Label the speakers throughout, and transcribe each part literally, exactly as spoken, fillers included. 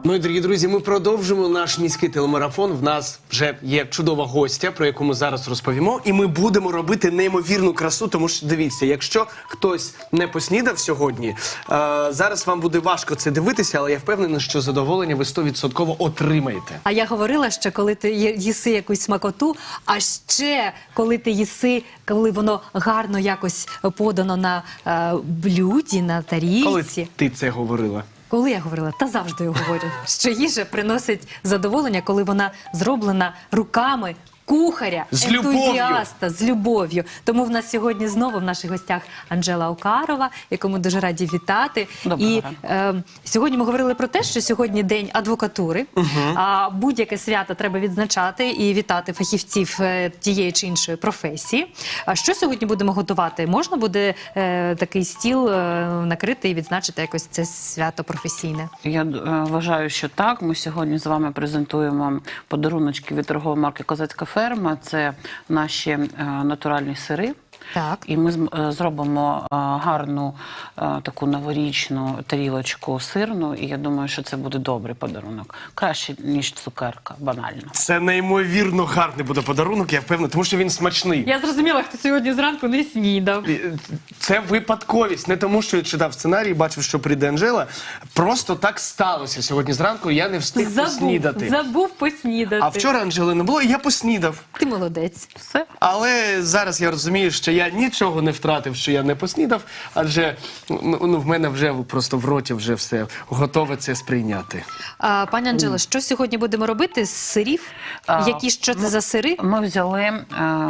Speaker 1: Ну і, дорогі друзі, ми продовжимо наш міський телемарафон. В нас вже є чудова гостя, про яку ми зараз розповімо. І ми будемо робити неймовірну красу, тому що, дивіться, якщо хтось не поснідав сьогодні, е, зараз вам буде важко це дивитися, але я впевнений, що задоволення ви сто відсотків отримаєте.
Speaker 2: А я говорила, що коли ти є- їси якусь смакоту, а ще коли ти їси, коли воно гарно якось подано на е, блюді, на тарілці.
Speaker 1: Коли ти це говорила?
Speaker 2: Коли я говорила, та завжди я говорю, що їжа приносить задоволення, коли вона зроблена руками кухаря,
Speaker 1: З любов'ю.
Speaker 2: ентузіаста, з любов'ю. Тому в нас сьогодні знову в наших гостях Анжела Окарова, яку ми дуже раді вітати.
Speaker 3: Доброго
Speaker 2: І
Speaker 3: ранку.
Speaker 2: е, сьогодні ми говорили про те, що сьогодні день адвокатури. А будь-яке свято треба відзначати і вітати фахівців е, тієї чи іншої професії. А що сьогодні будемо готувати? Можна буде е, такий стіл е, накрити і відзначити якось це свято професійне?
Speaker 3: Я е, вважаю, що так. Ми сьогодні з вами презентуємо подаруночки від торгової марки «Козацька ферма». Це наші е, натуральні сири.
Speaker 2: Так.
Speaker 3: І ми з- е, зробимо е, гарну е, таку новорічну тарілочку сирну. І я думаю, що це буде добрий подарунок. Краще, ніж цукерка, банально.
Speaker 1: Це неймовірно гарний буде подарунок, я впевнений, тому що він смачний.
Speaker 2: Я зрозуміла, хто сьогодні зранку не снідав.
Speaker 1: Це випадковість, не тому, що я читав сценарій, бачив, що прийде Анжела. Просто так сталося сьогодні зранку, я не встиг
Speaker 2: Забув,
Speaker 1: поснідати.
Speaker 2: забув поснідати.
Speaker 1: А вчора Анжели не було, і я поснідав.
Speaker 2: Ти молодець.
Speaker 3: Все.
Speaker 1: Але зараз я розумію, що я нічого не втратив, що я не поснідав, адже ну, ну, в мене вже просто в роті вже все готове це сприйняти.
Speaker 2: А, пані Анжела, що сьогодні будемо робити з сирів?
Speaker 3: А,
Speaker 2: Які, що це за сири?
Speaker 3: Ми взяли е,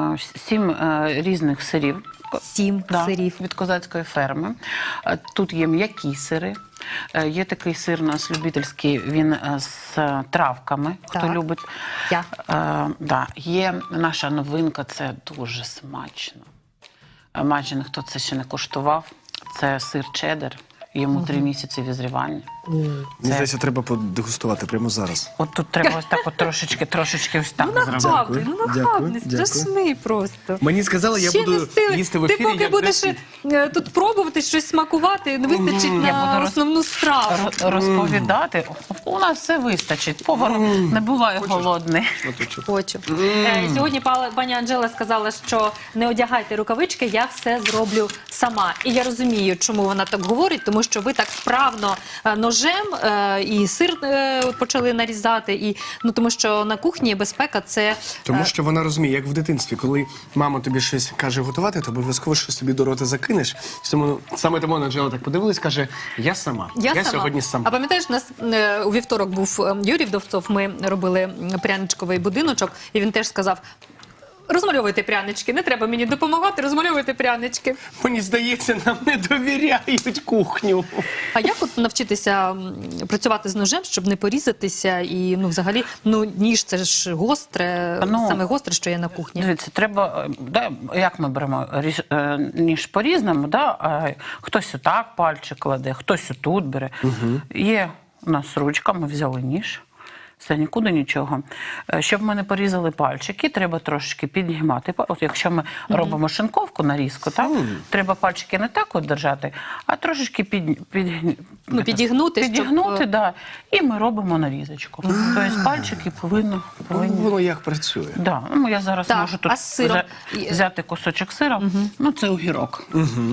Speaker 3: сім е, різних сирів.
Speaker 2: Сім
Speaker 3: Да,
Speaker 2: сирів.
Speaker 3: від козацької ферми. Е, Тут є м'які сири. Е, Є такий сир у нас любительський, він е, з е, травками, хто
Speaker 2: Так.
Speaker 3: любить.
Speaker 2: Я.
Speaker 3: Е, да. Є наша новинка, це дуже смачно. Е, Майже ніхто це ще не куштував. Це сир чеддер. Йому три місяці візрівання.
Speaker 1: Мені здається, треба подегустувати прямо зараз.
Speaker 3: От тут треба ось так от трошечки, трошечки ось так
Speaker 2: Ну
Speaker 3: зробити.
Speaker 2: нахабний, ну
Speaker 1: Дякую,
Speaker 2: нахабний,
Speaker 1: дякую.
Speaker 2: страшний просто.
Speaker 1: Мені сказали, я
Speaker 2: Ще
Speaker 1: буду
Speaker 2: не встигли.
Speaker 1: їсти в
Speaker 2: Ти
Speaker 1: ефірі,
Speaker 2: поки
Speaker 1: як
Speaker 2: будеш
Speaker 1: досвід.
Speaker 2: е, тут пробувати щось смакувати, не вистачить
Speaker 3: Я
Speaker 2: на
Speaker 3: буду роз-
Speaker 2: основну страву.
Speaker 3: Ро- Розповідати. У нас все вистачить. Повар не буває голодний.
Speaker 2: Хочу. Е, Сьогодні пала- пані Анжела сказала, що не одягайте рукавички, я все зроблю сама. І я розумію, чому вона так говорить, тому що ви так вправно е, ножем е, і сир е, почали нарізати, і ну тому що на кухні безпека це
Speaker 1: Тому що вона розуміє, як в дитинстві, коли мама тобі щось каже готувати, то обов'язково щось собі до рота закинеш. Тому, саме тому Анжела так подивилась, каже, я сама.
Speaker 2: Я, сама.
Speaker 1: сьогодні сама.
Speaker 2: А пам'ятаєш, у нас е, у вівторок був е, Юрій Вдовцов, ми робили м, пряничковий будиночок, і він теж сказав: розмальовуйте прянички, не треба мені допомагати, розмальовуйте прянички.
Speaker 1: Мені здається, нам не довіряють кухню.
Speaker 2: А як от навчитися м, працювати з ножем, щоб не порізатися? І ну, взагалі, ну ніж це ж гостре,
Speaker 3: Ну,
Speaker 2: саме гостре, що є на кухні.
Speaker 3: Дивіться, треба, е, да, як ми беремо ріж- е, ніж по-різному, да? е, хтось отак пальчик кладе, хтось отут бере. Є у нас ручка, ми взяли ніж. Все, нікуди нічого. Е, Щоб ми не порізали пальчики, треба трошечки піднімати. Па- От якщо ми робимо шинковку, нарізку, так, треба пальчики не так от держати, а трошечки під, під,
Speaker 2: Ну, підігнути, щоб,
Speaker 3: підігнути,
Speaker 2: е,
Speaker 3: да, і ми робимо нарізочку. Тобто пальчики повинні, повинні
Speaker 1: Воно як працює.
Speaker 3: Да, ну я зараз
Speaker 2: Так,
Speaker 3: можу тут
Speaker 2: а з сиром?
Speaker 3: взя- взяти кусочок сира, ну це огірок.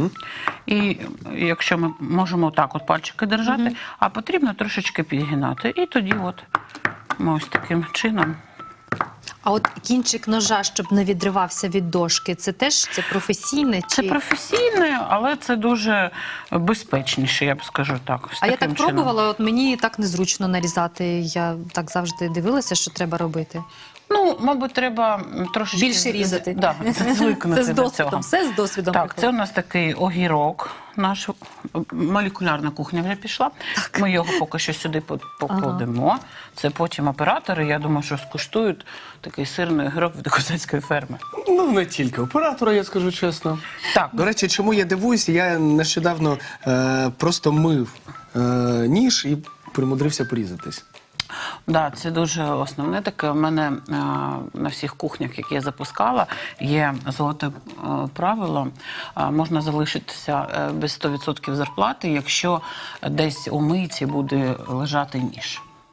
Speaker 3: І якщо ми можемо так от пальчики держати, а потрібно трошечки підгинати. І тоді от ми ось таким чином.
Speaker 2: А от кінчик ножа, щоб не відривався від дошки, це теж це професійне?
Speaker 3: Це
Speaker 2: Чи...
Speaker 3: професійне, але це дуже безпечніше, я б скажу так. Ось
Speaker 2: А я
Speaker 3: таким
Speaker 2: так
Speaker 3: чином.
Speaker 2: пробувала, от мені так незручно нарізати. Я так завжди дивилася, що треба робити.
Speaker 3: Ну, мабуть, треба трошечки...
Speaker 2: Більше різати.
Speaker 3: Да, звикнути
Speaker 2: Це з
Speaker 3: до
Speaker 2: досвідом,
Speaker 3: цього.
Speaker 2: все з досвідом.
Speaker 3: Так,
Speaker 2: приходить.
Speaker 3: це у нас такий огірок, наш молекулярна кухня вже пішла. Ми його поки що сюди по- покладемо. Це потім оператори, я думаю, що скуштують такий сирний огірок від козацької ферми.
Speaker 1: Ну, не тільки оператора, я скажу чесно.
Speaker 3: Так,
Speaker 1: До речі, чому я дивуюся, я нещодавно е, просто мив е, ніж і примудрився порізатись.
Speaker 3: да, це дуже основне таке. У мене е, на всіх кухнях, які я запускала, є золоте е, правило. Е, можна залишитися е, без сто відсотків зарплати, якщо десь у мийці буде лежати ніж.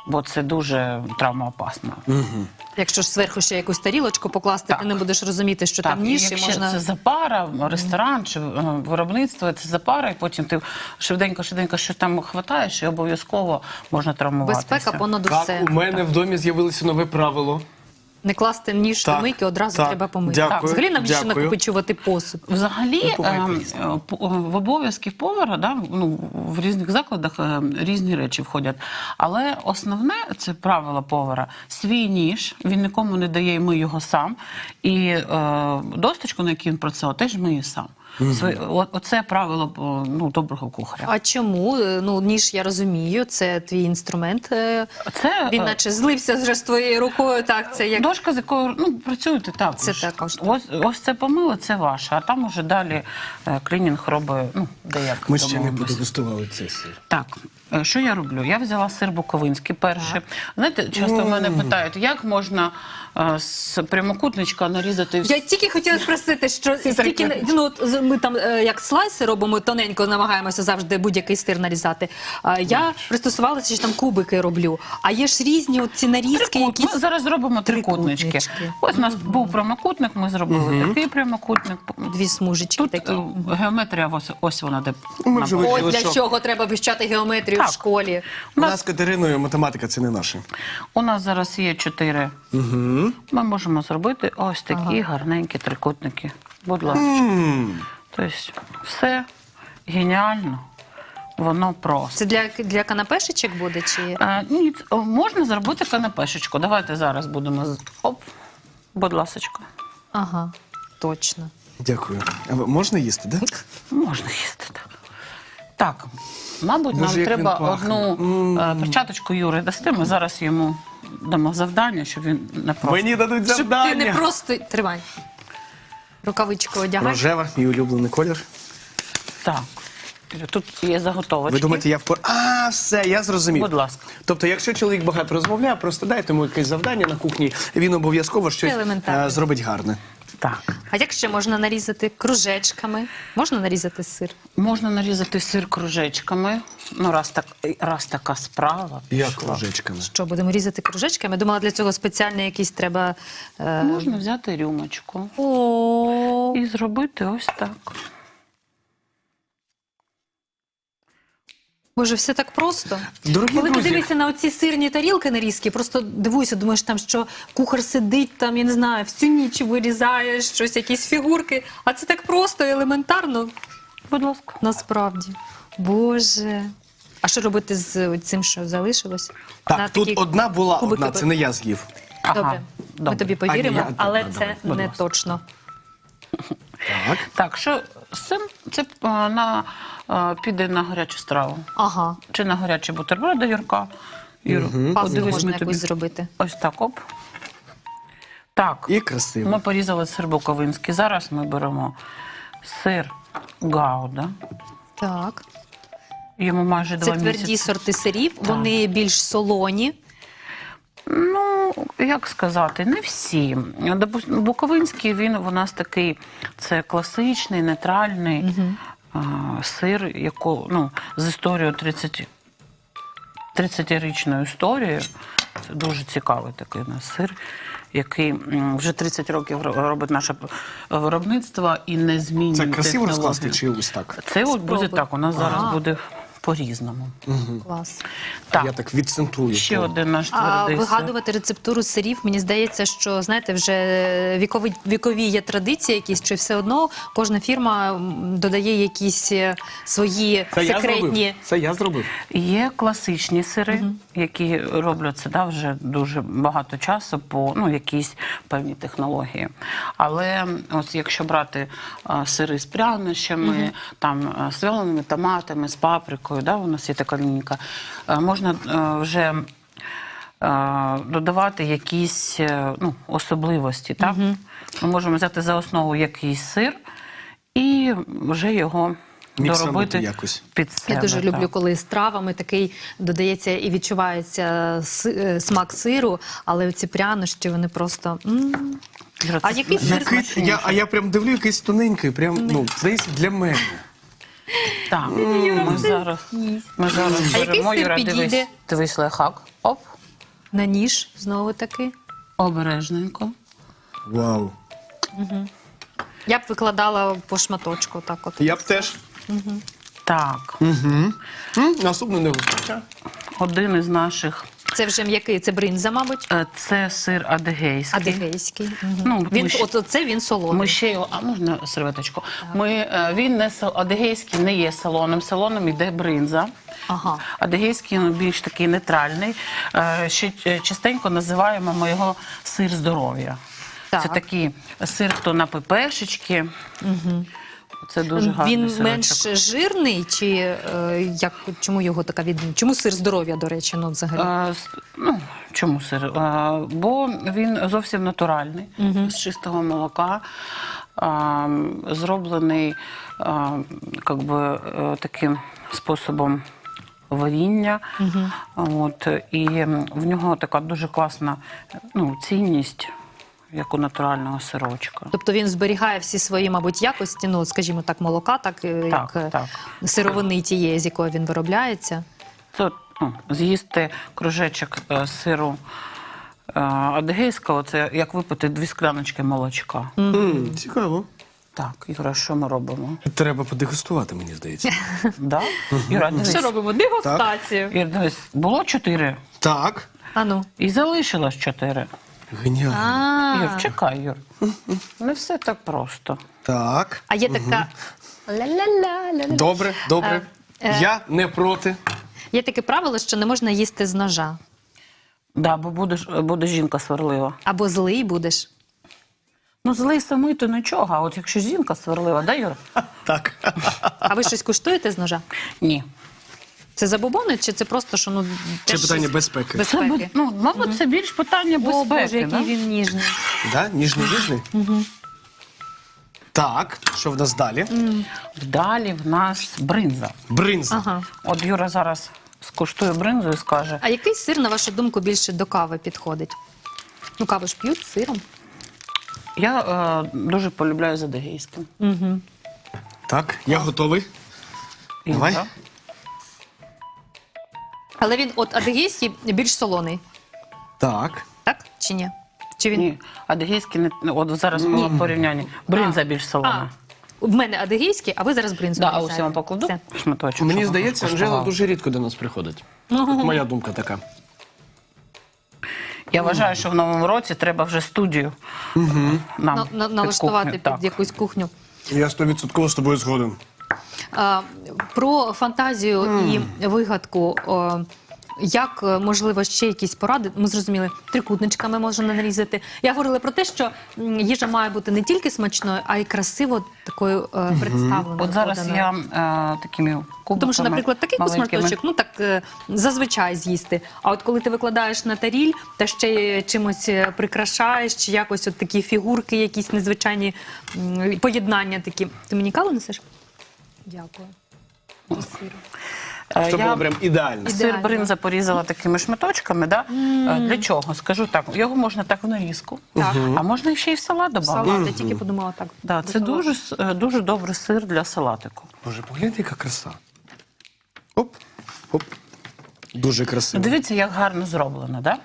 Speaker 3: бо це дуже травмоопасно.
Speaker 2: Якщо ж зверху ще якусь тарілочку покласти,
Speaker 3: Так.
Speaker 2: ти не будеш розуміти, що
Speaker 3: Так,
Speaker 2: там ніж, і
Speaker 3: якщо
Speaker 2: можна...
Speaker 3: це запара, ресторан чи е, виробництво, це запара, і потім ти швиденько-швиденько щось там хватаєш, і обов'язково можна травмуватися.
Speaker 2: Безпека понад
Speaker 1: Так,
Speaker 2: усе.
Speaker 1: у мене в домі з'явилося нове правило.
Speaker 2: Не класти ніж
Speaker 1: Так,
Speaker 2: до мийки, одразу
Speaker 1: так,
Speaker 2: треба помити.
Speaker 1: дякую,
Speaker 2: Так, взагалі навіщо
Speaker 1: дякую.
Speaker 2: накопичувати посуд?
Speaker 3: Взагалі,
Speaker 1: буває
Speaker 3: ем,
Speaker 1: по-різному.
Speaker 3: е, по- в обов'язків повара, да, ну, в різних закладах е, різні речі входять. Але основне це правило повара. Свій ніж, він нікому не дає, і миє його сам. І е, досточку, на якій він працює, теж миє сам. Своє- о- Оце правило о, ну, доброго кухаря.
Speaker 2: А чому? Ну, ніж, я розумію, це твій інструмент. е,
Speaker 3: Це,
Speaker 2: Він
Speaker 3: е,
Speaker 2: наче злився вже з твоєю рукою, так, це як...
Speaker 3: Дошка, з якою ну, працюєте також.
Speaker 2: Це також, так.
Speaker 3: Ось, ось це помило, це ваше, а там уже далі е, клінінг робить, ну, деяк.
Speaker 1: Ми ще не
Speaker 3: домовимося.
Speaker 1: подегустували цей сир.
Speaker 3: Так, е, що я роблю? Я взяла сир буковинський перший. Знаєте, часто в мене питають, як можна е, з прямокутничка нарізати
Speaker 2: Я тільки хотіла спросити, що стільки, ну, от з- ми там е, як слайси робимо, тоненько намагаємося завжди будь-який сир нарізати. А я пристосувалася, що там кубики роблю. А є ж різні от ці нарізки,
Speaker 3: Трикут.
Speaker 2: якісь...
Speaker 3: Ми зараз зробимо трикутнички.
Speaker 2: Трикутнички.
Speaker 3: Ось у нас був прямокутник, ми зробили такий прямокутник.
Speaker 2: Дві смужечки
Speaker 3: Тут
Speaker 2: такі.
Speaker 3: е, геометрія, ось, ось вона де.
Speaker 1: Ми вже
Speaker 3: набула.
Speaker 2: Ось
Speaker 1: вивчили,
Speaker 2: для
Speaker 1: що
Speaker 2: чого треба вивчати геометрію
Speaker 3: Так.
Speaker 2: в школі.
Speaker 1: у нас з Катериною математика це не наше.
Speaker 3: У нас зараз є чотири.
Speaker 1: Угу.
Speaker 3: Ми можемо зробити ось такі гарненькі трикутники. Будь ласка. Тобто все геніально, воно просто.
Speaker 2: Це для, для канапешечок буде? Чи...
Speaker 3: А, ні, ц- можна зробити канапешечку. Давайте зараз будемо. з- Оп, будь ласочка.
Speaker 2: Ага, точно.
Speaker 1: Дякую. А ви- можна їсти, так? Да?
Speaker 3: Можна їсти так. Так, мабуть,
Speaker 1: Боже,
Speaker 3: нам
Speaker 1: як він
Speaker 3: треба
Speaker 1: пахне.
Speaker 3: одну е, перчаточку Юри дасти. Ми зараз йому дамо завдання, щоб він не просто.
Speaker 1: Мені дадуть
Speaker 2: Щоб
Speaker 1: завдання.
Speaker 2: ти не просто... Тримай. Рукавичку одягай.
Speaker 1: Рожева, мій улюблений колір.
Speaker 3: Так. Тут є заготовочки.
Speaker 1: Ви думаєте, я впор... А, все, я зрозумів.
Speaker 3: Будь ласка.
Speaker 1: Тобто, якщо чоловік багато розмовляє, просто дайте йому якесь завдання на кухні, він обов'язково щось
Speaker 2: елементарно.
Speaker 1: е, зробить гарне.
Speaker 3: Так.
Speaker 2: А як ще можна нарізати кружечками? Можна нарізати сир?
Speaker 3: Можна нарізати сир кружечками. Ну, раз, так, раз така справа.
Speaker 1: Як
Speaker 3: пішла.
Speaker 1: ложечками.
Speaker 2: Що, будемо різати кружечками? Я думала, для цього спеціально якісь треба... Е...
Speaker 3: Можна взяти рюмочку
Speaker 2: О,
Speaker 3: і зробити ось так.
Speaker 2: Боже, все так просто.
Speaker 1: Дорогі
Speaker 2: Коли ти
Speaker 1: друзі,
Speaker 2: дивишся на оці сирні тарілки нарізки, просто дивуйся, думаєш, там, що кухар сидить, там, я не знаю, всю ніч вирізає щось, якісь фігурки. А це так просто, елементарно,
Speaker 3: Будь ласка.
Speaker 2: насправді. Боже. А що робити з цим, що залишилось?
Speaker 1: так,
Speaker 2: На
Speaker 1: тут
Speaker 2: такі
Speaker 1: одна була,
Speaker 2: кубики
Speaker 1: одна, це не я з'їв.
Speaker 2: Добре,
Speaker 3: Ага,
Speaker 2: ми
Speaker 3: добре.
Speaker 2: тобі повіримо,
Speaker 1: А, ні, я-
Speaker 2: але
Speaker 1: добре,
Speaker 2: це
Speaker 1: давай,
Speaker 3: будь
Speaker 2: не
Speaker 3: ласка.
Speaker 2: точно.
Speaker 1: Так.
Speaker 3: Так, що з цим це е, на, е, піде на гарячу страву.
Speaker 2: Ага,
Speaker 3: Чи на гарячі бутерброди, Юрка? Юру,
Speaker 2: пасту
Speaker 3: подивись,
Speaker 2: можна
Speaker 3: ми
Speaker 2: якусь
Speaker 3: тобі.
Speaker 2: зробити.
Speaker 3: Ось так, оп. Так,
Speaker 1: І красиво.
Speaker 3: ми порізали сир буковинський. Зараз ми беремо сир гауда.
Speaker 2: Так.
Speaker 3: Йому майже
Speaker 2: Це
Speaker 3: два
Speaker 2: тверді
Speaker 3: місяці.
Speaker 2: сорти сирів, вони більш солоні.
Speaker 3: Ну, як сказати, не всі. Допустим, буковинський, він у нас такий, це класичний, нейтральний а, сир, яко, ну, з історією тридцять, тридцятирічною історією. Це дуже цікавий такий у нас сир, який м, вже тридцять років ро- робить наше виробництво і не змінює
Speaker 1: Це красиво
Speaker 3: технологію.
Speaker 1: розкласти чи ось так?
Speaker 3: Це от буде
Speaker 2: Спробуй.
Speaker 3: так, у нас зараз
Speaker 2: Ага.
Speaker 3: буде по-різному.
Speaker 2: Клас.
Speaker 3: Так,
Speaker 1: Я так відцентрую.
Speaker 3: ще
Speaker 1: то.
Speaker 3: один наш
Speaker 2: А
Speaker 3: твердий сир.
Speaker 2: вигадувати рецептуру сирів, мені здається, що, знаєте, вже вікові, вікові є традиції якісь, чи все одно кожна фірма м, додає якісь е, свої
Speaker 1: Це я
Speaker 2: секретні...
Speaker 1: зробив. Це я зробив.
Speaker 3: Є класичні сири, які робляться да, вже дуже багато часу по ну, якійсь певній технології. Але ось якщо брати а, сири з прянощами, там а, з вяленими томатами, з паприкою, да, у нас є така лінійка, а, можна а, вже а, додавати якісь е, ну, особливості. Так? Ми можемо взяти за основу якийсь сир і вже його
Speaker 1: Міксанути
Speaker 3: доробити
Speaker 1: якось.
Speaker 3: під себе.
Speaker 2: Я дуже люблю,
Speaker 3: так.
Speaker 2: коли з травами такий додається і відчувається си- е, смак сиру, але ці прянощі, вони просто... м.
Speaker 3: Іра,
Speaker 2: А
Speaker 3: це
Speaker 2: який сир
Speaker 1: Який, я, а я прям дивлю якийсь тоненький, прям, ну, здається, для мене.
Speaker 3: Так, ми зараз, ми зараз
Speaker 2: А який
Speaker 3: беремо,
Speaker 2: сир
Speaker 3: Юра,
Speaker 2: підійде?
Speaker 3: дивись, дивись лайфхак. Оп,
Speaker 2: На ніж знову таки.
Speaker 3: обережненько.
Speaker 1: Вау.
Speaker 2: Я б викладала по шматочку, так от.
Speaker 1: Я б теж.
Speaker 3: Так,
Speaker 1: М, Наступну не вистачає.
Speaker 3: один із наших,
Speaker 2: Це вже м'який, це бринза, мабуть.
Speaker 3: е, це сир адигейський.
Speaker 2: Адигейський. Мгм.
Speaker 3: Ну,
Speaker 2: Він,
Speaker 3: ми ще-
Speaker 2: от оце він солоний.
Speaker 3: Ми ще його, а можна серветочку? Ми, е, він не сал- адигейський не є салоном, салоном йде бринза.
Speaker 2: Ага.
Speaker 3: Адигейський він більш такий нейтральний. Е, Ще е, частенько називаємо ми його сир здоров'я.
Speaker 2: Так.
Speaker 3: Це такий сир, хто на пепешечки. Це дуже гарний
Speaker 2: Він
Speaker 3: сирочок.
Speaker 2: менш жирний, чи е, як, чому його така відмінність? Чому сир здоров'я, до речі, ну взагалі?
Speaker 3: Е, с- ну, чому сир? Е, бо він зовсім натуральний, з чистого молока, е, зроблений е, как би, е, таким способом варіння. От, і в нього така дуже класна ну, цінність, як у натурального сирочка.
Speaker 2: Тобто він зберігає всі свої, мабуть, якості, ну, скажімо так, молока, так, е,
Speaker 3: Так,
Speaker 2: як е,
Speaker 3: так.
Speaker 2: сировини тієї, з якої він виробляється.
Speaker 3: Це ну, з'їсти кружечок е, сиру е, адигейського, це як випити дві скляночки молочка.
Speaker 1: М, Цікаво.
Speaker 3: Так, Юра, що ми робимо?
Speaker 1: Треба подегустувати, мені здається.
Speaker 3: Да? Юра, дивись.
Speaker 2: Що робимо? Дегустацію.
Speaker 3: Юра, дивись, було чотири
Speaker 1: Так.
Speaker 2: А ну.
Speaker 3: і залишилось чотири.
Speaker 1: Геніально.
Speaker 2: А,
Speaker 3: Юр, чекай, Юр. Не все так просто.
Speaker 1: Так.
Speaker 2: а є така ля-ля-ля-ля-ля.
Speaker 1: Добре, добре.
Speaker 2: Е, е.
Speaker 1: Я не проти.
Speaker 2: Є таке правило, що не можна їсти з ножа.
Speaker 3: Да, бо будеш, буде жінка сварлива.
Speaker 2: Або злий будеш.
Speaker 3: Ну, злий самий, то нічого, а от якщо жінка сварлива, да, Юр?
Speaker 1: Так.
Speaker 2: А ви щось куштуєте з ножа?
Speaker 3: Ні.
Speaker 2: Це забобони, чи це просто, що ну
Speaker 1: Це
Speaker 2: теж
Speaker 1: питання
Speaker 2: щось-
Speaker 1: безпеки.
Speaker 3: Це,
Speaker 2: безпеки?
Speaker 3: бу- ну, мабуть, це більш питання
Speaker 2: О,
Speaker 3: безпеки.
Speaker 2: Боже, який
Speaker 3: да?
Speaker 2: він ніжний.
Speaker 1: Да? Ніжний, ніжний? Так, що в нас далі?
Speaker 3: Далі в нас бринза.
Speaker 1: Бринза.
Speaker 2: Ага.
Speaker 3: От Юра зараз скуштує бринзу і скаже,
Speaker 2: А який сир, на вашу думку, більше до кави підходить? Ну, каву ж п'ють з сиром.
Speaker 3: я е, дуже полюбляю з адигейським.
Speaker 2: Угу.
Speaker 1: Так, я готовий.
Speaker 3: І,
Speaker 1: Давай.
Speaker 3: да?
Speaker 2: Але він от адигейський більш солоний,
Speaker 1: Так.
Speaker 2: так? Чи ні? Чи він...
Speaker 3: Ні, адигейський не ну, от зараз було порівняння. Бринза більш
Speaker 2: А,
Speaker 3: солона.
Speaker 2: в мене адигейський, а ви зараз бринзу
Speaker 3: Да, а
Speaker 2: нарізаєте.
Speaker 3: ось я вам покладу
Speaker 2: Все.
Speaker 3: шматочок.
Speaker 1: Мені
Speaker 3: щоб
Speaker 1: здається,
Speaker 3: вона
Speaker 1: Анжела
Speaker 3: скуштувала.
Speaker 1: дуже рідко до нас приходить. От моя думка така.
Speaker 3: Я вважаю, що в новому році треба вже студію нам
Speaker 2: На, на,
Speaker 3: під
Speaker 2: налаштувати
Speaker 3: кухню.
Speaker 2: під
Speaker 3: Так.
Speaker 2: якусь кухню.
Speaker 1: Я стовідсотково з тобою згоден.
Speaker 2: А, про фантазію і вигадку. О, як, е, можливо, ще якісь поради? Ми зрозуміли, трикутничками можна нарізати. Я говорила про те, що м, їжа має бути не тільки смачною, а й красиво такою е, представленою.
Speaker 3: От зараз
Speaker 2: поданою.
Speaker 3: я е, такими кубиками
Speaker 2: Тому що, наприклад, такий
Speaker 3: маленькими.
Speaker 2: кусмарточок, ну так е, зазвичай з'їсти. А от коли ти викладаєш на таріль та ще й чимось е, прикрашаєш, чи якось от такі фігурки, якісь незвичайні м, поєднання такі. Ти мені каву несеш? Дякую. І сиру.
Speaker 3: Е,
Speaker 1: Це
Speaker 3: я
Speaker 1: було прям ідеально.
Speaker 3: сир
Speaker 2: Ідеально.
Speaker 3: бринза порізала такими шматочками. Да? Е, Для чого? Скажу так, його можна так в нарізку,
Speaker 2: Так.
Speaker 3: а можна ще й в салат додати.
Speaker 2: Салат, я тільки подумала так.
Speaker 3: Да,
Speaker 2: до
Speaker 3: це
Speaker 2: салату.
Speaker 3: дуже, с- е, дуже добрий сир для салатику.
Speaker 1: Боже, погляньте, яка краса. Оп, оп. Дуже красиво.
Speaker 3: Дивіться, як гарно зроблено, да?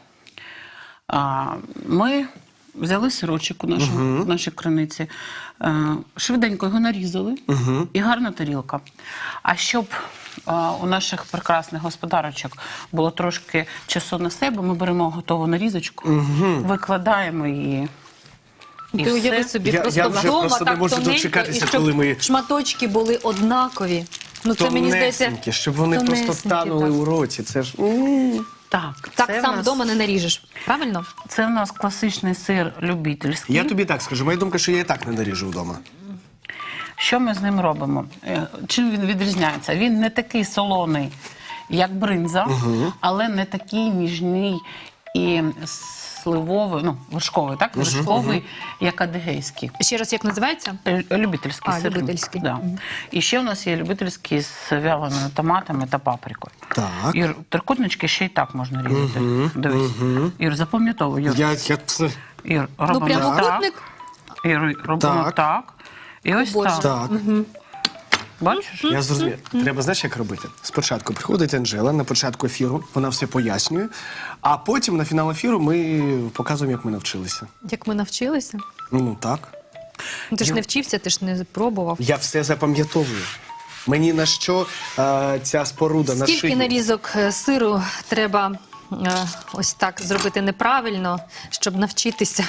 Speaker 3: А, ми взяли сирочок у нашому, в нашій криниці, е, швиденько його нарізали, і гарна тарілка. А щоб е, у наших прекрасних господарочок було трошки часу на себе, ми беремо готову нарізочку, викладаємо її. І
Speaker 2: Ти уяви
Speaker 3: все.
Speaker 2: собі,
Speaker 1: Я-
Speaker 2: просто
Speaker 1: я вже
Speaker 2: вдома
Speaker 1: просто не
Speaker 2: так
Speaker 1: можу
Speaker 2: тоненько,
Speaker 1: дочекатися,
Speaker 2: і щоб
Speaker 1: коли ми-
Speaker 2: шматочки були однакові. Ну це мені здається,
Speaker 1: Тонесенькі, щоб вони просто
Speaker 2: тонесенькі,
Speaker 1: танули
Speaker 2: так.
Speaker 1: у роті. Це ж... м.
Speaker 3: Так,
Speaker 2: Так
Speaker 3: це
Speaker 2: сам
Speaker 3: в нас,
Speaker 2: вдома не наріжеш, правильно?
Speaker 3: Це в нас класичний сир любительський.
Speaker 1: Я тобі так скажу, моя думка, що я і так не наріжу вдома.
Speaker 3: Що ми з ним робимо? Е, Чим він відрізняється? Він не такий солоний, як бринза, але не такий ніжний і сливовий, ну, вершковий, так? Вершковий, як адигейський.
Speaker 2: Ще раз, як називається?
Speaker 3: Е, Любительський
Speaker 2: А,
Speaker 3: сир.
Speaker 2: любительський.
Speaker 3: Да. І ще у нас є любительський з вяленими томатами та паприкою.
Speaker 1: Так.
Speaker 3: Ір, трикутнички ще й так можна різати. Дивись. Ір, запам'ятовуй. Ір,
Speaker 1: Я, я... це-
Speaker 3: Ір,
Speaker 2: Ну,
Speaker 3: робимо
Speaker 2: прямокутник.
Speaker 3: так. Ір, робимо
Speaker 1: Так.
Speaker 3: так. І ось
Speaker 2: Боже.
Speaker 3: так.
Speaker 1: Так.
Speaker 3: Бачиш?
Speaker 1: Я зрозумів. Треба, знаєш, як робити? Спочатку приходить Анжела на початку ефіру, вона все пояснює, а потім на фінал ефіру ми показуємо, як ми навчилися.
Speaker 2: Як ми навчилися?
Speaker 1: Ну, так.
Speaker 2: Ну, Ти ж
Speaker 1: Я-
Speaker 2: не вчився, ти ж не пробував.
Speaker 1: Я все запам'ятовую. Мені на що е, ця споруда на
Speaker 2: Скільки
Speaker 1: шиї?
Speaker 2: нарізок е, сиру треба е, ось так зробити неправильно, щоб навчитися?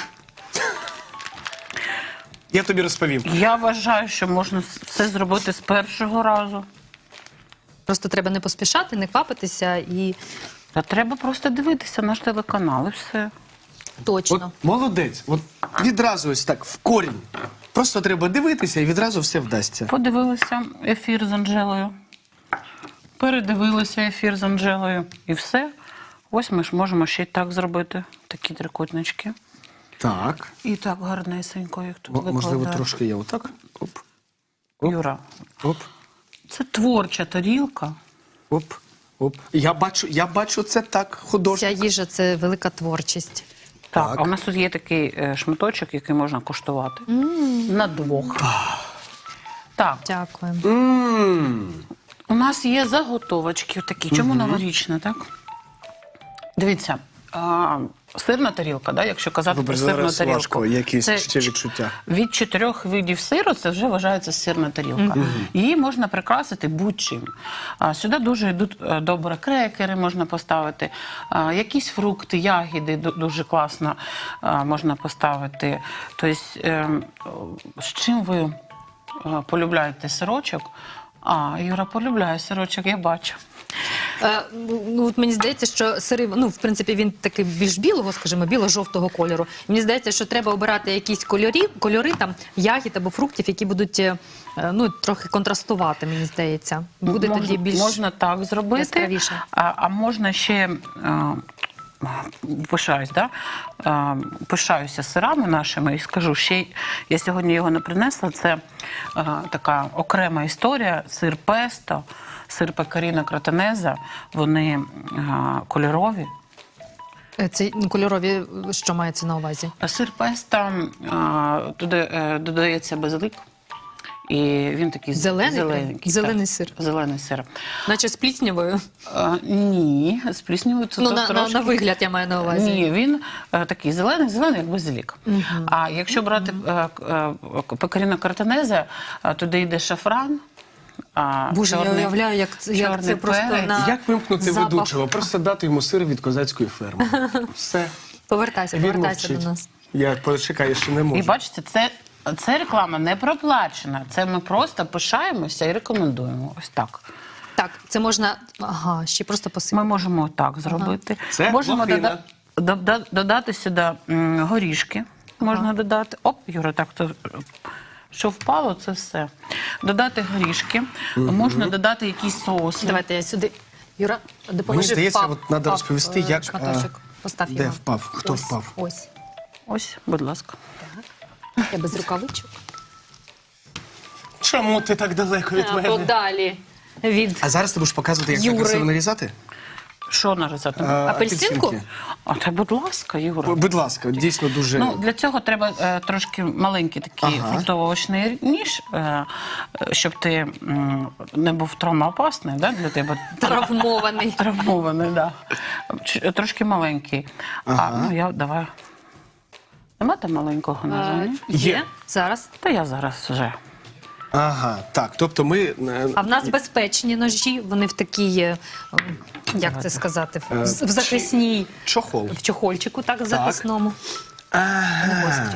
Speaker 1: Я тобі розповім.
Speaker 3: Я вважаю, що можна все зробити з першого разу.
Speaker 2: Просто треба не поспішати, не квапитися і
Speaker 3: Та треба просто дивитися наш телеканал і все.
Speaker 2: точно.
Speaker 1: От молодець, от відразу ось так, в корінь. Просто треба дивитися і відразу все вдасться.
Speaker 3: Подивилися ефір з Анжелою, передивилися ефір з Анжелою і все. Ось ми ж можемо ще й так зробити, такі трикутнички.
Speaker 1: Так.
Speaker 3: І так гарнесенько, як тут
Speaker 1: М- Можливо,
Speaker 3: викладаю.
Speaker 1: трошки я отак. Оп, оп,
Speaker 3: Юра,
Speaker 1: оп,
Speaker 3: це творча тарілка.
Speaker 1: оп, оп. Я бачу, я бачу це так,
Speaker 2: Ця
Speaker 1: художньо.
Speaker 2: їжа це велика творчість.
Speaker 3: Так,
Speaker 1: Так.
Speaker 3: а у нас тут є такий е, шматочок, який можна куштувати. На двох. Так,
Speaker 2: Дякую.
Speaker 1: Мм.
Speaker 3: у нас є заготовочки такі. Чому новорічна, так? Дивіться, а, сирна тарілка, да, якщо казати
Speaker 1: Вибач,
Speaker 3: про сирну
Speaker 1: зараз
Speaker 3: тарілку.
Speaker 1: важко, якісь
Speaker 3: це
Speaker 1: ще відчуття.
Speaker 3: Від чотирьох видів сиру це вже вважається сирна тарілка. Її можна прикрасити будь-чим. А, Сюди дуже йдуть е, добре крекери, можна поставити, а, якісь фрукти, ягіди ду- дуже класно а, можна поставити. Тобто, е, з чим ви е, полюбляєте сирочок? А, Юра полюбляє сирочок, я бачу.
Speaker 2: Е, ну, от мені здається, що сири, ну, в принципі, він такий більш білого, скажімо, біло-жовтого кольору. Мені здається, що треба обирати якісь кольорі, кольори там, ягід або фруктів, які будуть е, ну, трохи контрастувати, мені здається. Буде
Speaker 3: Мож-
Speaker 2: тоді більш...
Speaker 3: Можна так зробити,
Speaker 2: яскравіше.
Speaker 3: а, а можна ще... е, Пишаюсь, да? Е, пишаюся сирами нашими і скажу, ще й- я сьогодні його не принесла. Це е, така окрема історія. Сир песто, сир пекаріно кротонеза. Вони е, кольорові.
Speaker 2: Е, Це ну, кольорові, що мається на увазі?
Speaker 3: А сир песто е, туди е, додається базилик. І він такий
Speaker 2: Зелений прям?
Speaker 3: зелененький.
Speaker 2: Зелений
Speaker 3: так.
Speaker 2: сир?
Speaker 3: Зелений сир.
Speaker 2: Наче з пліснявою?
Speaker 3: Е, ні, з пліснявою це
Speaker 2: Ну,
Speaker 3: то
Speaker 2: на, на,
Speaker 3: трошки.
Speaker 2: на вигляд я маю на увазі.
Speaker 3: Ні, він е, такий зелений, зелений, як базилік. А якщо брати е, е, пекаріно картонезе, е, туди йде шафран. А,
Speaker 2: Боже, я
Speaker 3: чорний-
Speaker 2: уявляю, як це, як
Speaker 3: чорний
Speaker 2: це просто
Speaker 3: перець.
Speaker 2: на
Speaker 1: Як вимкнути
Speaker 2: запах.
Speaker 1: ведучого? Просто дати йому сир від козацької ферми. Все.
Speaker 2: Повертайся,
Speaker 1: Він
Speaker 2: повертайся
Speaker 1: мовчить.
Speaker 2: до нас.
Speaker 1: Я почекаю, я ще не можу.
Speaker 3: І бачите, це, це реклама не проплачена. Це ми просто пишаємося і рекомендуємо. Ось так.
Speaker 2: Так, це можна, ага, ще просто посипати.
Speaker 3: Ми можемо так зробити.
Speaker 1: Це
Speaker 3: Можемо
Speaker 1: лохина.
Speaker 3: дода- дода- додати сюди м, горішки. Можна додати. Оп, Юра, так то. Що впало, це все. Додати горішки. Можна додати якісь соуси.
Speaker 2: Давайте я сюди. Юра, допоможи.
Speaker 1: Мені здається,
Speaker 2: впав,
Speaker 1: от треба
Speaker 2: впав,
Speaker 1: розповісти,
Speaker 2: е,
Speaker 1: як,
Speaker 2: шматочок. Постав
Speaker 1: де
Speaker 2: його.
Speaker 1: впав? Хто
Speaker 2: Ось,
Speaker 1: впав?
Speaker 2: Ось.
Speaker 3: Ось, будь ласка.
Speaker 2: Так. Я без рукавичок.
Speaker 1: Чому ти так далеко від мене?
Speaker 2: Подалі від
Speaker 1: А зараз ти будеш показувати, як
Speaker 2: Юри.
Speaker 1: красиво нарізати?
Speaker 3: Що нарізати?
Speaker 1: А,
Speaker 2: Апельсинку?
Speaker 1: апельсинки.
Speaker 3: А та, будь ласка, Юра.
Speaker 1: Будь ласка, дійсно дуже...
Speaker 3: Ну, для цього треба е, трошки маленький такий
Speaker 1: Ага.
Speaker 3: фруктово-овочний ніж, е, е, щоб ти м, не був травмоопасний, да, для тебе.
Speaker 2: травмований.
Speaker 3: Травмований, да. Ч- Трошки маленький. А, ну, я давай. Нема там маленького ножа,
Speaker 2: Е,
Speaker 3: ні?
Speaker 2: Є. Зараз.
Speaker 3: Та я зараз вже.
Speaker 1: Ага, так, тобто ми... е,
Speaker 2: А в нас безпечні ножі, вони в такій, е, як це сказати, в,
Speaker 1: Е,
Speaker 2: в захисній,
Speaker 1: Чохол.
Speaker 2: в чохольчику, так, в захисному.
Speaker 1: Ага.
Speaker 2: Не гострі.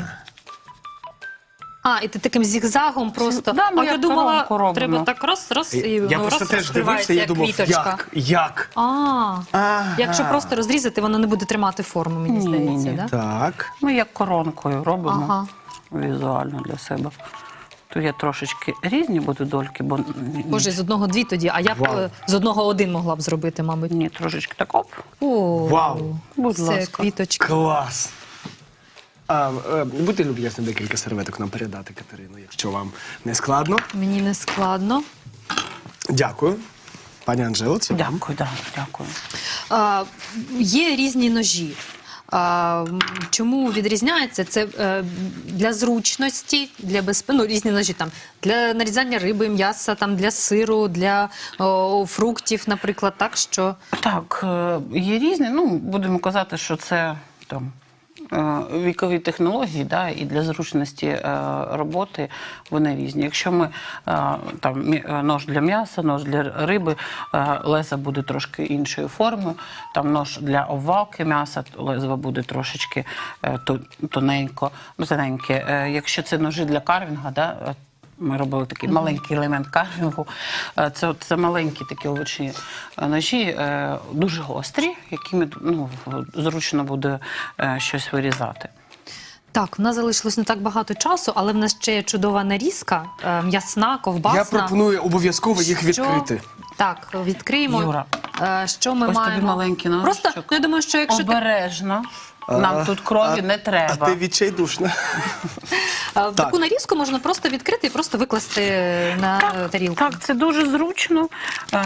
Speaker 2: А, і ти таким зігзагом просто.
Speaker 3: Да, ми
Speaker 2: а я
Speaker 3: як
Speaker 2: думала,
Speaker 3: коронку робимо.
Speaker 2: треба так раз, раз, і
Speaker 1: Я
Speaker 2: воно
Speaker 1: просто
Speaker 2: раз
Speaker 1: теж
Speaker 2: розкривається,
Speaker 1: дивився, я
Speaker 2: як
Speaker 1: думав,
Speaker 2: квіточка.
Speaker 1: як? Як?
Speaker 2: А,
Speaker 1: Ага.
Speaker 2: якщо просто розрізати, воно не буде тримати форму, мені
Speaker 3: Ні-ні-ні.
Speaker 2: здається, да?
Speaker 1: Так.
Speaker 3: Ми як коронкою робимо
Speaker 2: Ага.
Speaker 3: візуально для себе. Тут я трошечки різні буду дольки, бо ні,
Speaker 2: Боже, з одного дві тоді, а я б
Speaker 1: Вау.
Speaker 2: е, з одного один могла б зробити, мабуть.
Speaker 3: ні, трошечки так оп.
Speaker 2: О,
Speaker 1: Вау.
Speaker 3: Будь
Speaker 2: це
Speaker 3: ласка.
Speaker 2: квіточка.
Speaker 1: Клас. А, е, будьте люб'язні декілька серветок нам передати, Катерину, якщо вам не складно.
Speaker 2: Мені не складно.
Speaker 1: Дякую. Пані Анжело, це
Speaker 3: Дякую, да, дякую.
Speaker 2: А, є різні ножі. А, м, чому відрізняється? Це е, для зручності, для безпеки, ну, різні ножі там, для нарізання риби, м'яса, там, для сиру, для о, фруктів, наприклад, так, що...
Speaker 3: Так, е, є різні. Ну, будемо казати, що це там е, вікові технології, да, і для зручності е, роботи вони різні. Якщо ми е, там мі- е, нож для м'яса, нож для риби, е, леза буде трошки іншої форми. Там нож для обвалки м'яса, лезо буде трошечки е, тон- тоненько, ну, тоненьке. Е, якщо це ножі для карвінга, да, е, ми робили такий маленький елемент карвінгу. Е, Це, от- це маленькі такі овочі е, ножі, е, дуже гострі, якими ну, зручно буде е, щось вирізати.
Speaker 2: Так, в нас залишилось не так багато часу, але в нас ще є чудова нарізка, е, м'ясна, ковбасна.
Speaker 1: Я пропоную обов'язково їх
Speaker 2: Що-
Speaker 1: відкрити.
Speaker 2: Так, відкриємо.
Speaker 3: Юра,
Speaker 2: Е, що ми
Speaker 3: ось тобі
Speaker 2: маємо?
Speaker 3: маленький ножичок.
Speaker 2: Просто, ну, я думаю, що якщо ти
Speaker 3: Обережно. Нам тут крові
Speaker 1: А-
Speaker 3: не треба.
Speaker 1: А ти відчайдушна.
Speaker 2: е, таку нарізку можна просто відкрити і просто викласти на е, тарілку.
Speaker 3: Так, це дуже зручно. Е,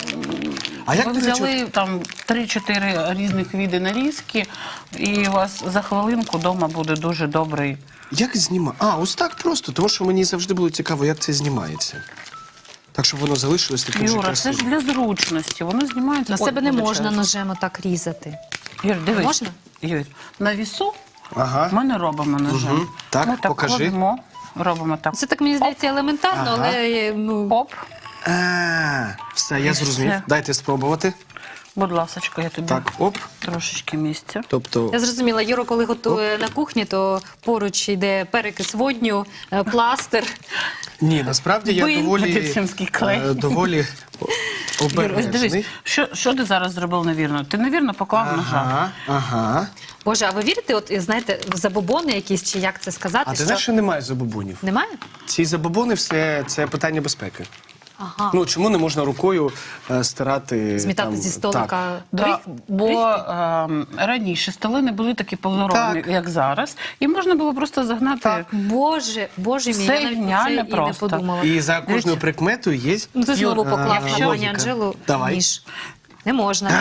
Speaker 1: А як
Speaker 3: Ви
Speaker 1: ти для
Speaker 3: взяли там три-чотири різних види нарізки, і у вас за хвилинку вдома буде дуже добрий.
Speaker 1: Як знімати? А, ось так просто, тому що мені завжди було цікаво, як це знімається. Так, щоб воно залишилось таким же
Speaker 3: Юра, це ж
Speaker 1: красивим.
Speaker 3: для зручності, воно знімається.
Speaker 2: На
Speaker 3: Ой,
Speaker 2: себе не можна
Speaker 3: вибачаюсь.
Speaker 2: ножем отак різати.
Speaker 3: Юр, дивись.
Speaker 2: Можна?
Speaker 3: Юр, на вісу
Speaker 1: Ага.
Speaker 3: ми не робимо ножем.
Speaker 1: Мгм. Так,
Speaker 3: ми так
Speaker 1: покажи.
Speaker 3: ходимо, робимо так.
Speaker 2: Це так, мені здається, елементарно,
Speaker 1: Ага.
Speaker 2: але е, ну,
Speaker 3: Оп,
Speaker 1: А, все, я
Speaker 3: І
Speaker 1: зрозумів.
Speaker 3: все.
Speaker 1: Дайте спробувати.
Speaker 3: будь ласочка, я тобі
Speaker 1: Так, оп.
Speaker 3: трошечки місця.
Speaker 1: Тобто,
Speaker 2: я зрозуміла, Юро, коли готує на кухні, то поруч йде перекис водню, е, пластир.
Speaker 1: ні, насправді я
Speaker 2: Бин,
Speaker 1: доволі,
Speaker 3: медицинський клей.
Speaker 1: е, доволі о-
Speaker 3: Юр, ось
Speaker 1: обережний.
Speaker 3: дивись, що, що ти зараз зробив невірно? Ти невірно поклав ножа.
Speaker 1: Ага, ага.
Speaker 2: Боже, а ви вірите, от знаєте, в забобони якісь, чи як це сказати?
Speaker 1: А ти
Speaker 2: що...
Speaker 1: знаєш, що немає забобонів?
Speaker 2: Немає?
Speaker 1: Ці забобони все це питання безпеки.
Speaker 2: Ага.
Speaker 1: Ну чому не можна рукою е, стирати
Speaker 2: Змітати
Speaker 1: там,
Speaker 2: зі
Speaker 1: так.
Speaker 2: столика.
Speaker 3: Да,
Speaker 2: бриг-
Speaker 3: бо ем, раніше столи не були такі поліровані,
Speaker 1: Так.
Speaker 3: як зараз, і можна було просто загнати.
Speaker 1: Так.
Speaker 2: Боже, боже мій,
Speaker 3: Все
Speaker 2: я навіть про це
Speaker 3: геніально
Speaker 2: і не
Speaker 3: просто.
Speaker 2: подумала.
Speaker 1: І за кожною
Speaker 3: Дивіться.
Speaker 1: прикметою є.
Speaker 2: Ну ти знову
Speaker 3: Юр,
Speaker 2: поклав
Speaker 1: а,
Speaker 2: на
Speaker 1: логіка.
Speaker 2: пані Анжелу
Speaker 1: Давай.
Speaker 2: ніж. Не можна.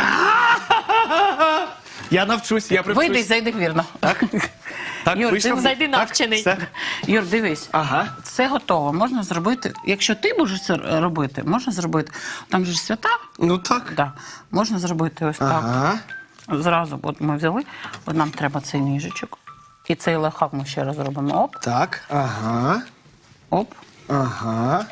Speaker 1: Я навчусь, я привчусь.
Speaker 3: Вийди і зайди вірно.
Speaker 1: Так, так
Speaker 3: Юр,
Speaker 1: вийшов.
Speaker 3: ти
Speaker 2: зайди
Speaker 1: Так,
Speaker 2: навчений.
Speaker 1: все.
Speaker 3: Юр, дивись.
Speaker 1: Ага.
Speaker 3: Це готово. Можна зробити. Якщо ти будеш це робити, можна зробити. Там же ж свята.
Speaker 1: Ну так.
Speaker 3: Да. Можна зробити ось
Speaker 1: Ага.
Speaker 3: так. Зразу, от ми взяли, от нам треба цей ніжечок. І цей лайфхак ми ще раз робимо. Оп,
Speaker 1: Так, ага.
Speaker 3: оп.
Speaker 1: Ага.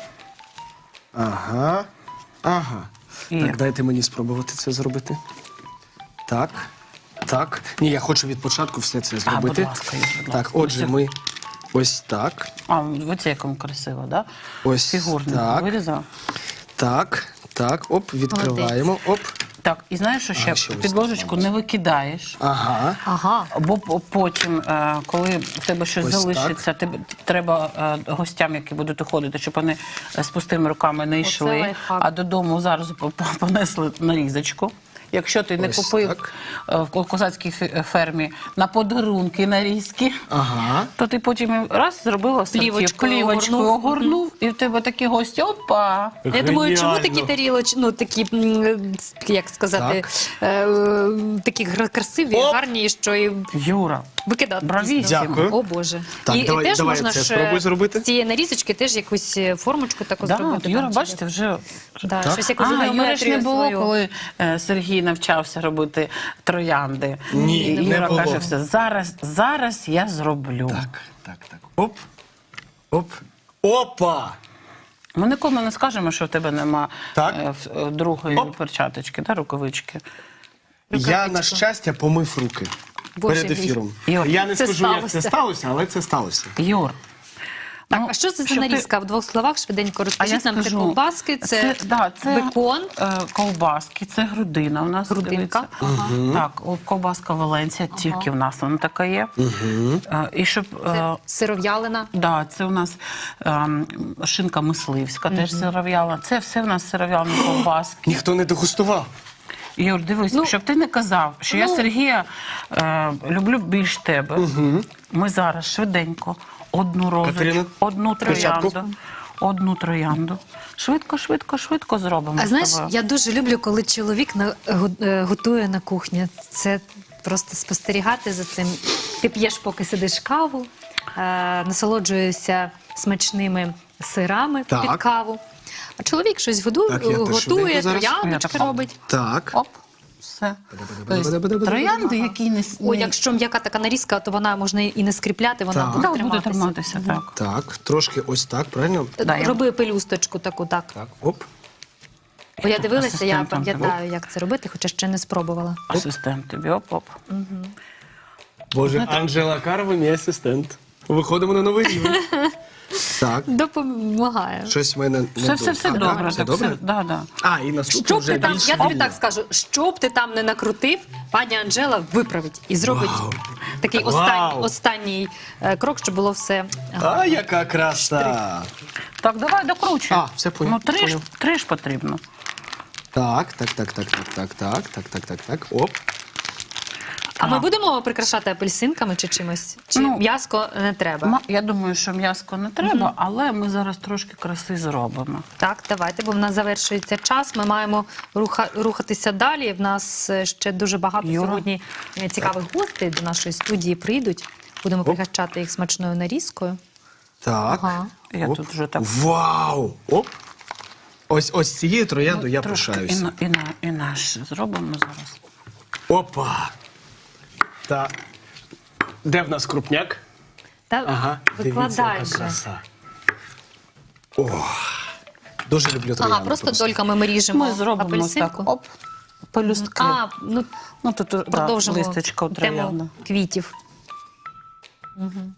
Speaker 1: Ага. Ага.
Speaker 3: І-
Speaker 1: Так, дайте мені спробувати це зробити. Так. Так. Ні, я хочу від початку все це зробити.
Speaker 3: будь ласка, Юр, будь
Speaker 1: Так,
Speaker 3: ласка.
Speaker 1: отже, ми ось так.
Speaker 3: А, ви це якому красиво, да?
Speaker 1: Ось
Speaker 3: Фігурно
Speaker 1: так.
Speaker 3: вирізав.
Speaker 1: Так, так, оп, відкриваємо. Оп.
Speaker 3: Так, і знаєш, що ще
Speaker 1: А, ще ось
Speaker 3: під
Speaker 1: так,
Speaker 3: ложечку не викидаєш.
Speaker 1: Ага.
Speaker 2: Ага.
Speaker 3: Бо п- потім, е, коли в тебе щось
Speaker 1: Ось
Speaker 3: залишиться, тебе треба е, гостям, які будуть уходити, щоб вони е, з пустими руками не йшли,
Speaker 2: лайфхак.
Speaker 3: а додому зараз по- по- понесли нарізочку. Якщо ти не
Speaker 1: Ось
Speaker 3: купив
Speaker 1: так.
Speaker 3: е, в ко- козацькій фе- фермі на подарунки нарізки,
Speaker 1: Ага.
Speaker 3: то ти потім раз зробила
Speaker 2: Плівочкою
Speaker 3: плівочкою,
Speaker 2: огорнув.
Speaker 3: огорнув, і в тебе такі гості, опа!
Speaker 2: Я думаю, чому
Speaker 1: Геніально.
Speaker 2: такі тарілочки, ну такі, м, як сказати, е, е, такі гра- красиві,
Speaker 1: Оп!
Speaker 2: гарні, що і
Speaker 3: Юра,
Speaker 2: викидати.
Speaker 3: Бравіссимо.
Speaker 2: пізно.
Speaker 1: Дякую.
Speaker 2: О Боже.
Speaker 1: Так,
Speaker 2: і,
Speaker 1: давай-
Speaker 2: і теж
Speaker 1: давай
Speaker 2: можна
Speaker 1: це
Speaker 2: ж
Speaker 1: спробуй
Speaker 2: е,
Speaker 1: зробити.
Speaker 2: з цієї нарізочки теж якусь е, формочку таку
Speaker 3: да,
Speaker 2: зробити.
Speaker 3: Юра,
Speaker 2: там, чи
Speaker 3: бачите, вже
Speaker 2: Да,
Speaker 1: Так.
Speaker 2: щось якусь
Speaker 3: А, Юри ж не
Speaker 2: геометрію
Speaker 3: було,
Speaker 2: свою.
Speaker 3: коли е, Сергій навчався робити троянди.
Speaker 1: Ні,
Speaker 3: І
Speaker 1: не
Speaker 3: Юра
Speaker 1: було.
Speaker 3: каже, все, зараз, зараз я зроблю.
Speaker 1: Так, так, так. Оп. Оп. Опа!
Speaker 3: Ми нікому не скажемо, що в тебе нема
Speaker 1: Так.
Speaker 3: е, в- е, другої
Speaker 1: Оп.
Speaker 3: перчаточки, да, рукавички.
Speaker 1: Я, на щастя, помив руки
Speaker 2: Боже
Speaker 1: перед
Speaker 2: мій.
Speaker 1: ефіром.
Speaker 3: Юр,
Speaker 1: Я не
Speaker 2: це
Speaker 1: скажу, як
Speaker 2: сталося.
Speaker 1: це сталося, але це сталося.
Speaker 3: Юр.
Speaker 2: Так,
Speaker 3: ну,
Speaker 2: а що це за
Speaker 3: щоб ти-
Speaker 2: нарізка? В двох словах швиденько
Speaker 3: А я
Speaker 2: розкажіть нам. Це
Speaker 3: скажу,
Speaker 2: ковбаски, це,
Speaker 3: да, це
Speaker 2: бекон.
Speaker 3: е, ковбаски, це грудина у нас.
Speaker 2: Грудинка,
Speaker 3: дивіться.
Speaker 2: ага.
Speaker 3: Так, о, ковбаска Валенція, тільки в нас вона така є. Е, і щоб... е,
Speaker 2: Це сиров'ялина.
Speaker 3: Да, це у нас ем, шинка мисливська, теж сиров'яла. Це все в нас сиров'ялні ковбаски.
Speaker 1: Ніхто не дегустував.
Speaker 3: Юр, дивись,
Speaker 2: Ну,
Speaker 3: щоб ти не казав, що я
Speaker 2: ну.
Speaker 3: Сергія е, люблю більш тебе. Ми зараз швиденько одну розочку,
Speaker 1: Катерина,
Speaker 3: одну
Speaker 1: перчатку.
Speaker 3: троянду, одну троянду. Швидко, швидко, швидко зробимо.
Speaker 2: А
Speaker 3: з
Speaker 2: знаєш,
Speaker 3: тобою.
Speaker 2: я дуже люблю, коли чоловік на, го- е, готує на кухні. Це просто спостерігати за цим. Ти п'єш, поки сидиш каву, е, насолоджуєшся смачними сирами
Speaker 1: Так.
Speaker 2: під каву. А чоловік щось годує,
Speaker 1: Так, я теж
Speaker 2: готує,
Speaker 1: швиденько зараз.
Speaker 2: трояндочки
Speaker 3: Я
Speaker 2: робить.
Speaker 1: Так.
Speaker 3: Оп, все. Тобто, троянди, які не... с-
Speaker 2: О,
Speaker 3: не-
Speaker 2: якщо м'яка така нарізка, то вона можна і не скріпляти, вона
Speaker 1: Так.
Speaker 2: буде
Speaker 3: Да, буде
Speaker 2: триматися.
Speaker 3: триматися, так.
Speaker 1: Так, трошки ось так, правильно?
Speaker 3: Да, я-
Speaker 2: Роби пелюсточку таку, так.
Speaker 1: Так, оп.
Speaker 2: Бо я дивилася, я
Speaker 3: асистентом
Speaker 2: пам'ятаю, як це робити, хоча ще не спробувала.
Speaker 3: Асистент тобі, оп-оп.
Speaker 1: Боже, Анжела Карва, мій асистент. Виходимо на новий рівень. Так,
Speaker 2: Допомагає.
Speaker 1: щось в мене не
Speaker 3: Все, все, все
Speaker 1: Так,
Speaker 3: добре.
Speaker 1: Все
Speaker 3: так,
Speaker 1: добре?
Speaker 3: Все, да, да.
Speaker 1: А, і наступно
Speaker 2: Що б
Speaker 1: вже
Speaker 2: ти там,
Speaker 1: більш
Speaker 2: я тобі
Speaker 1: вільно.
Speaker 2: так скажу, що б ти там не накрутив, пані Анжела виправить і зробить
Speaker 1: Вау.
Speaker 2: такий
Speaker 1: Вау.
Speaker 2: останній, останній е, крок, щоб було все.
Speaker 1: А, яка краса!
Speaker 3: Так, давай докручуй.
Speaker 1: А, все понял,
Speaker 3: Ну, три ж,
Speaker 1: понял.
Speaker 3: три ж потрібно.
Speaker 1: Так, так, так, так, так, так, так, так, так, так, так, оп.
Speaker 2: А ми будемо прикрашати апельсинками чи чимось? Чи
Speaker 3: Ну,
Speaker 2: м'яско не треба?
Speaker 3: Ма- Я думаю, що м'яско не треба, але ми зараз трошки краси зробимо.
Speaker 2: Так, давайте, бо в нас завершується час. Ми маємо руха, рухатися далі. В нас е, ще дуже багато
Speaker 3: Юра.
Speaker 2: сьогодні е, цікавих гостей до нашої студії прийдуть. Будемо пригощати їх смачною нарізкою.
Speaker 1: Так.
Speaker 2: Ага.
Speaker 3: Я
Speaker 1: Оп.
Speaker 3: тут вже так...
Speaker 1: Вау! Оп. Ось, ось цією троянду я
Speaker 3: трошки і,
Speaker 1: пишаюся.
Speaker 3: на, і, на, і наш зробимо зараз.
Speaker 1: Опа! Так. Де в нас крупняк?
Speaker 2: Та
Speaker 1: Ага,
Speaker 2: викладай
Speaker 1: дивіться, яка
Speaker 2: же.
Speaker 1: краса. О, дуже люблю троянду.
Speaker 2: Ага, просто дольками ми ріжемо
Speaker 3: Ми зробимо
Speaker 2: апельсинку.
Speaker 3: так, оп, пелюстки.
Speaker 2: А, ну
Speaker 3: Ну, тут да,
Speaker 2: продовжимо
Speaker 3: листочка троянда.
Speaker 2: тему квітів. Мгм.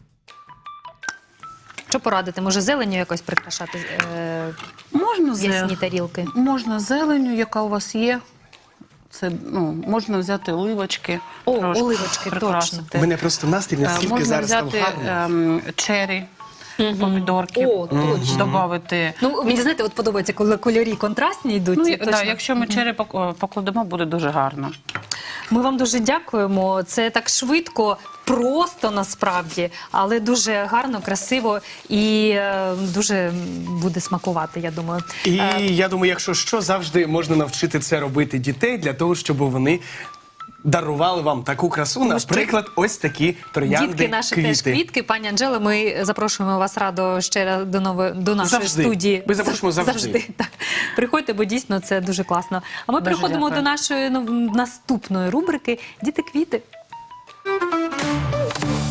Speaker 2: Що порадити? Може, зеленню якось прикрашати е,
Speaker 3: Можна,
Speaker 2: ясні
Speaker 3: зе...
Speaker 2: тарілки?
Speaker 3: можна зеленю, яка у вас є. Це, ну, можна взяти оливочки.
Speaker 2: О,
Speaker 3: трошки
Speaker 2: оливочки,
Speaker 3: прикрасити.
Speaker 1: У мене просто настрій
Speaker 3: Е,
Speaker 1: настільки
Speaker 3: можна
Speaker 1: зараз там
Speaker 3: взяти
Speaker 1: гарний.
Speaker 3: ем, чері, помідорки.
Speaker 2: О, точно.
Speaker 3: Добавити.
Speaker 2: Ну, мені, знаєте, от подобається, коли кольорі контрастні йдуть.
Speaker 3: Ну,
Speaker 2: і
Speaker 3: і-
Speaker 2: точно.
Speaker 3: да, якщо ми чері пок- покладемо, буде дуже гарно.
Speaker 2: Ми вам дуже дякуємо. Це так швидко, просто насправді, але дуже гарно, красиво і е, дуже буде смакувати, я думаю.
Speaker 1: І
Speaker 2: Е,
Speaker 1: я думаю, якщо що, завжди можна навчити це робити дітей для того, щоб вони дарували вам таку красу,
Speaker 2: Тому що
Speaker 1: наприклад, ось такі троянди,
Speaker 2: Дітки наші
Speaker 1: квіти.
Speaker 2: теж квітки. Пані Анжела, ми запрошуємо вас радо ще раз до нової до нашої
Speaker 1: Завжди.
Speaker 2: студії.
Speaker 1: Ми запрошуємо завжди.
Speaker 2: Так. Приходьте, бо дійсно це дуже класно. А ми
Speaker 3: Дуже
Speaker 2: переходимо
Speaker 3: дякую.
Speaker 2: до нашої ну, наступної рубрики Діти квіти.